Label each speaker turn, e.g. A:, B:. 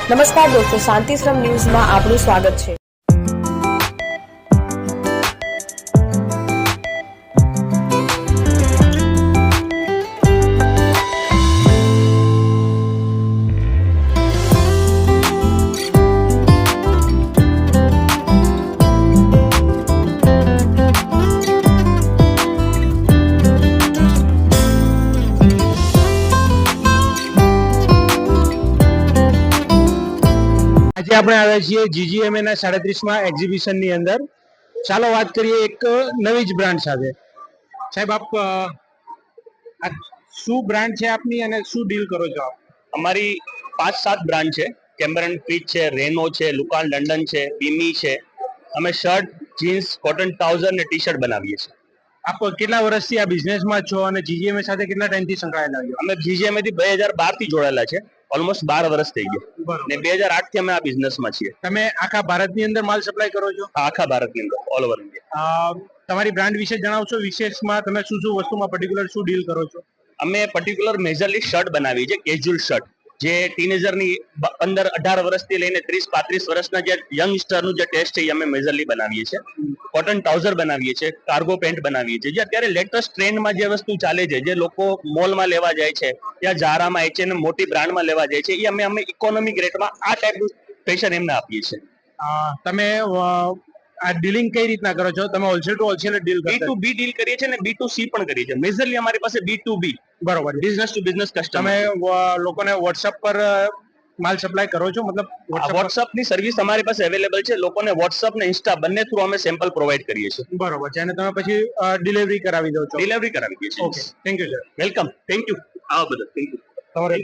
A: નમસ્કાર દોસ્તો, શાંતિશ્રમ ન્યૂઝમાં આપનું સ્વાગત છે।
B: આજે આપણે આવ્યા છીએ જીજીએમએ ના 37મા એક્ઝિબિશન ની અંદર। ચાલો વાત કરીએ એક નવી જ બ્રાન્ડ સાથે। સાહેબ, આપ આ શું બ્રાન્ડ છે આપની અને શું ડીલ કરો છો આપ?
C: અમારી 5-7 બ્રાન્ડ છે। કેમ્બરન ફિટ છે, રેનો છે, લુકાન લંડન છે, બીમી છે। અમે શર્ટ, જીન્સ, કોટન ટ્રાઉઝર ને ટી શર્ટ બનાવીએ છીએ।
B: આપ કેટલા વર્ષથી આ બિઝનેસમાં છો અને જીજીએમએ સાથે કેટલા ટાઈમથી સંકળાયેલા છો?
C: અમે જીજીએમએ થી 2012 થી જોડાયેલા છે। ઓલમોસ્ટ 12 વર્ષ થઈ ગયા ને 2008 થી અમે આ બિઝનેસમાં છીએ।
B: તમે આખા ભારતની અંદર માલ સપ્લાય કરો છો?
C: આખા ભારતની અંદર, ઓલ ઓવર ઇન્ડિયા।
B: તમારી બ્રાન્ડ વિશે જણાવશો? વિશેષમાં તમે શું શું વસ્તુમાં પર્ટિક્યુલર શું ડીલ કરો છો?
C: અમે પર્ટિક્યુલર મેજરલી શર્ટ બનાવીએ છીએ, કેઝ્યુઅલ શર્ટ, જે ટીનેજરની 15-18 વર્ષથી લઈને 30-35 વર્ષના જે યંગસ્ટરનું જે ટેસ્ટ છે એ અમે મેજરલી બનાવીએ છીએ। કોટન ટ્રાઉઝર બનાવીએ છીએ, કાર્ગો પેન્ટ બનાવીએ છીએ, જે અત્યારે લેટેસ્ટ ટ્રેન્ડમાં જે વસ્તુ ચાલે છે, જે લોકો મોલમાં લેવા જાય છે, ત્યાં ઝારામાં, H&M મોટી બ્રાન્ડમાં લેવા જાય છે, એ અમે ઇકોનોમિક રેટમાં આ ટાઈપનું ફેશન એમને આપીએ છીએ।
B: તમે આ ડીલિંગ કઈ રીતના કરો છો? તમે હોલસેલ ટુ હોલસેલ ડીલ કરો છો?
C: B2B ડીલ કરીએ છીએ અને B2C પણ કરીએ છીએ। મેજરલી અમારી પાસે B2B,
B: બરોબર,
C: બિઝનેસ ટુ બિઝનેસ કસ્ટમર।
B: તમે લોકોને વોટ્સએપ પર માલ સપ્લાય કરો છો? મતલબ
C: વોટ્સએપ ની સર્વિસ અમારી પાસે અવેલેબલ છે। લોકોને વોટ્સએપ ને ઇન્સ્ટા બંને થ્રુ અમે સેમ્પલ પ્રોવાઈડ કરીએ છીએ।
B: બરોબર છે, અને તમે પછી ડિલિવરી કરાવી દો છો?
C: ડિલિવરી કરાવી દઈએ છીએ।
B: Okay, thank you sir.
C: Welcome, thank you, આવો બધા, થેન્ક યુ।